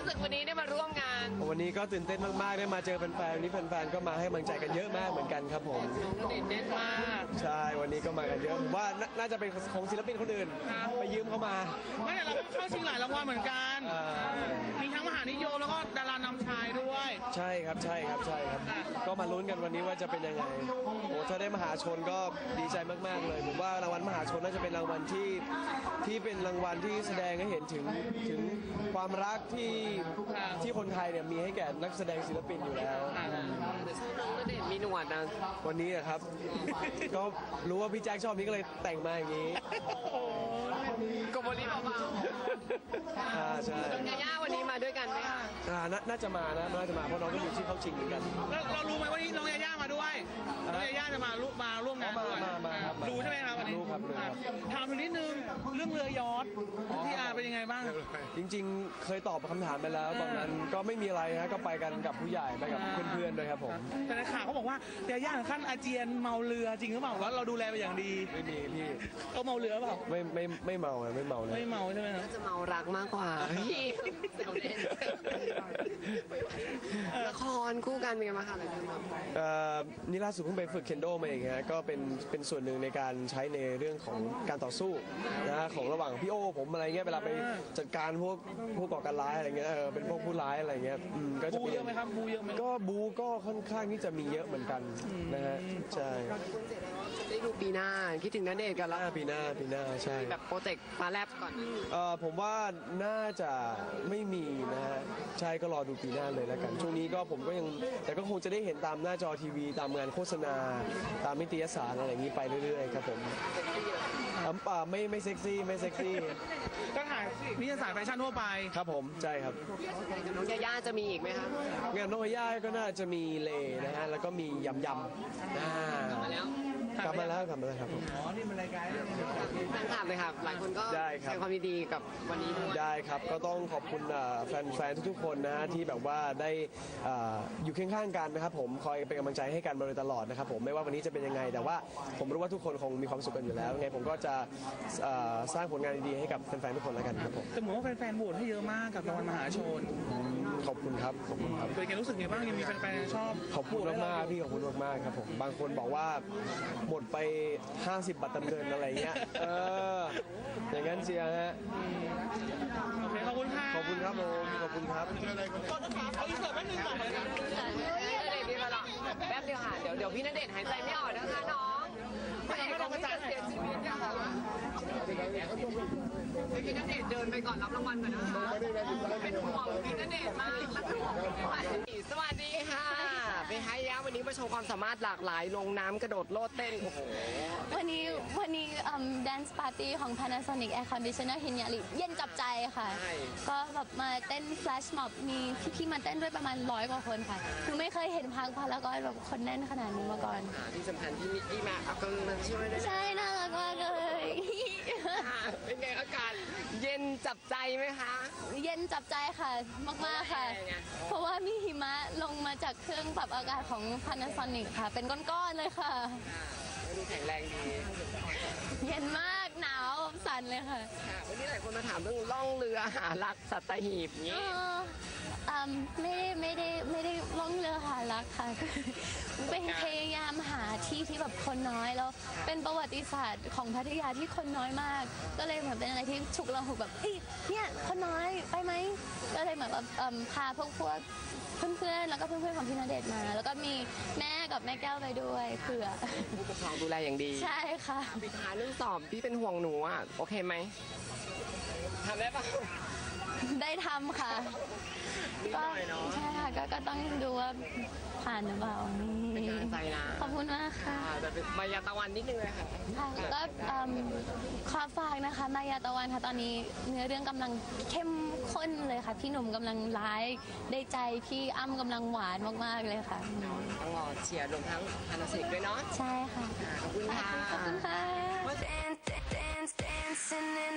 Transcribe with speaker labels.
Speaker 1: รู้สึกวันนี้ได้มาร่วมงาน
Speaker 2: วันนี้ก็ตื่นเต้นมากๆได้มาเจอแฟนๆวันนี้แฟนๆก็มาให้กำลังใจกันเยอะมากเหมือนกันครับผม
Speaker 1: เด่นมาก
Speaker 2: ใช่วันนี้ก็มากันเยอะผมว่าน่าจะเป็นของศิลปินคนอื่นไปยืมเขามา
Speaker 3: ไม่แต่เราก็เข้าชิงหลายรางวัลเหมือนกันมีทั้งมหานิยมแล้วก็ดารานำชายด้วย
Speaker 2: ใช่ครับก็มาลุ้นกันวันนี้ว่าจะเป็นยังไงโอ้ถ้าได้มหาชนก็ดีใจมากๆเลยผมว่ารางวัลมหาชนน่าจะเป็นรางวัลที่เป็นรางวัลที่แสดงให้เห็นถึงความรักที่คนไทยเนี่ยมีให้แก่นักแสดงศิลปินอยู่แล้ว
Speaker 1: น้องณเดชน์มีหนวดนะ
Speaker 2: วันนี้นะครับ ก็รู้ว่าพี่แจ็คชอบนี้ก็เลยแต่งมาอย่างนี้
Speaker 1: กบลีเบา
Speaker 2: ใช่
Speaker 1: น้องยาย่าวันนี้มาด้วยกันไหมคะ
Speaker 2: น่าจะมาเพราะน้องก็อยู่ที่เข้าชิงเหมือนกัน
Speaker 3: เรารู้ไหมว่านี่น้องยาย่ามาด้วยน้องยาย่าจะมาร่วมงานด้วยรู้ใช่ไหมครับวันนี้
Speaker 2: รู้ครับ
Speaker 3: ถามถึงนิดนึงเรื่องเรือยอทที่เป็นยังไงบ้าง
Speaker 2: จริงๆเคยตอบคำถามไปแล้วตอนนั้นก็ไม่มีอะไรนะก็ไปกันกับผู้ใหญ่ไปกับเพื่อนๆด้วยครับผม
Speaker 3: แต่ในข่าวเขาบอกว่ายาย่าถึงขั้นอาเจียนเมาเรือจริงหรือเปล่าว่าเราดูแลไปอย่างดี
Speaker 2: ไม่มีพี่
Speaker 3: เขาเมาเรือเปล่า
Speaker 2: ไม่เมาเลยไม่เมา
Speaker 3: ใช่ไหม
Speaker 1: น่าจะเมารักมากกว่าพี่เดี๋ยวเล่นละครคู่กันเป็นไงบ้างคะอะไรกันบ้าง
Speaker 2: นี่ล่าสุดเพิ่งไปฝึกเคนโดมาเองฮะก็เป็นส่วนหนึ่งในการใช้ในเรื่องของการต่อสู้นะของระหว่างพี่โอผมอะไรเงี้ยเวลาไปจัดการพวกก่อการร้ายอะไรเงี้ยเป็นพวกผู้ร้ายอะไรเงี้ย
Speaker 3: ก็จะบูเยอะไหมครับบูเยอะไหม
Speaker 2: ก็บูก็ค่อนข้างที่จะมีเยอะเหมือนกันนะฮะใช่
Speaker 1: ได้ดูปีหน้าคิดถึงณเดชน์กันแล้ว
Speaker 2: ปีหน้าใช่
Speaker 1: แบบโปรเจกต์ฟ้าแลบก่อน
Speaker 2: ผมว่าน่าจะไม่มีนะฮะใช่ก็รอดูปีหน้าเลยแล้วกันช่วงนี้ก็ผมก็ยังแต่ก็คงจะได้เห็นตามหน้าจอทีวีตามงานโฆษณาตามนิตยสารอะไรอย่างนี้ไปเรื่อยๆครับผมไม่เซ็กซี่
Speaker 3: ก็ถ่ายนิตยสารแฟชั่นทั่วไป
Speaker 2: ครับผมใช่ครับ
Speaker 1: น้องยาย่าจะมีอีกไหมครับ
Speaker 2: งานน้องยาย่าก็น่าจะมีเลนะฮะแล้วก็มียำ
Speaker 1: มาแล้ว
Speaker 2: กลับมาแล้วครับผม
Speaker 3: อ๋อนี่มันรายการ
Speaker 1: แฟนคลับเลยครับหลายคนก็แสดงความยินดีกับวันนี้ด้วย
Speaker 2: ได้ครับก็ต้องขอบคุณแฟนทุกๆคนนะฮะที่แบบว่าได้อยู่เคียงข้างกันนะครับผมคอยเป็นกำลังใจให้กันมาโดยตลอดนะครับผมไม่ว่าวันนี้จะเป็นยังไงแต่ว่าผมรู้ว่าทุกคนคงมีความสุขกันอยู่แล้วไงผมก็จะสร้างผลงานดีๆให้กับแฟนๆทุกคนแล้วกันครับผม
Speaker 3: แต่เหมือนว่าแฟนๆโหวตให้เยอะมากกับรางวัลมหาชน
Speaker 2: ขอบคุณครับ
Speaker 3: เป็นไงรู้สึกไงบ้างยังมีแฟนๆชอบ
Speaker 2: ขอบคุณมากพี่ขอบคุณมากครับผมบางคนบอกว่าหมดไป50 บาทเดินอะไรเงี้ยอย่างนั้นเชียร์ฮะ
Speaker 3: ขอบคุณค่ะ
Speaker 2: ขอบคุณครับผมขอบคุณครับ
Speaker 3: เขาอีกเสิร์ฟแป๊บนึงก่อน
Speaker 1: แป๊บเดียวค่ะเดี๋ยวพี่ณเดชน์หายใจไม่ออกนะคะน้องไม่ต้องกระจายเสียชีวิตนะคะพี่ณเดชน์เดินไปก่อนรับรางวัลก่อนนะคะเป็นห่วงพี่ณเดชน์มากสวัสดีค่ะไปให้ยะวันนี้มาโชว์ความสามารถหลากหลายลงน้ำกระโดดโลดเต้นโอ้โห
Speaker 4: วันนี้dance party ของ Panasonic Air Conditioner ฮินยาริเย็นจับใจค่ะก็แบบมาเต้น flash mob มีพี่มาเต้นด้วยประมาณ100 กว่าคนค่ะคือไม่เคยเห็นพังพารากอนแบบคนแน่นขนาดนี้มาก่อน
Speaker 1: ที่สำคัญที่มิกกี้มาเอากำลังช่วยด้วย
Speaker 4: ใช่น่ารักมากเลย
Speaker 1: เป็นไงอากาศเย็นจับใจไหมคะ
Speaker 4: เย็นจับใจค่ะมากๆค่ะเพราะว่ามีหิมะลงมาจากเครื่องปรับอากาศของ Panasonic ค่ะเป็นก้อนๆเลยค่ะ
Speaker 1: ดูแข็งแรงดี
Speaker 4: เย็นมากหนาวสั่นเลยค่ะ
Speaker 1: วันนี้หลายคนมาถามเรื่องล่องเรือหารักสัตหีบนี้
Speaker 4: ไม่ได้ล่องเรือหารักค่ะเป็นพยายามหาที่ที่แบบคนน้อยแล้วเป็นประวัติศาสตร์ของพัทยาที่คนน้อยมากก็เลยเหมือนเป็นอะไรที่ฉุกละหุกแบบเนี่ยคนน้อยไปไหมก็เลยเหมือนแบบพาพวกเพื่อนๆแล้วก็เพื่อนๆของพี่ณเดชน์มาแล้วก็มีแม่กับแม่แก้วไปด้วยเผื่อ
Speaker 1: ผู้ปกครองดูแลอย่างดี
Speaker 4: ใช่ค่ะ
Speaker 1: ปิดท้ายเรื่องสอบพี่เป็นห่วงหนูอ่ะโอเคไหมทำได้ปะ
Speaker 4: ได้ทำค่ะก็ใช่ค่ะก็ต้องดูว่าผ่านหรือเปล่า
Speaker 1: เป็นกำลังใจนะ
Speaker 4: ขอบคุณมากค่ะ
Speaker 1: แต่มายาตะวันนิดนึงเลยค่ะ
Speaker 4: ก็ขอฝากนะคะมายาตะวันค่ะตอนนี้เนื้อเรื่องกำลังเข้มข้นเลยค่ะพี่หนุ่มกำลังร้ายได้ใจพี่อ้ำกำลังหวานมากๆเลยค่ะ
Speaker 1: ต้องรอเชียร์รวมทั้งPanasonicด้วยเนาะ
Speaker 4: ใช่ค่ะ
Speaker 1: ขอบคุณค่ะ
Speaker 4: ขอบคุณค่ะ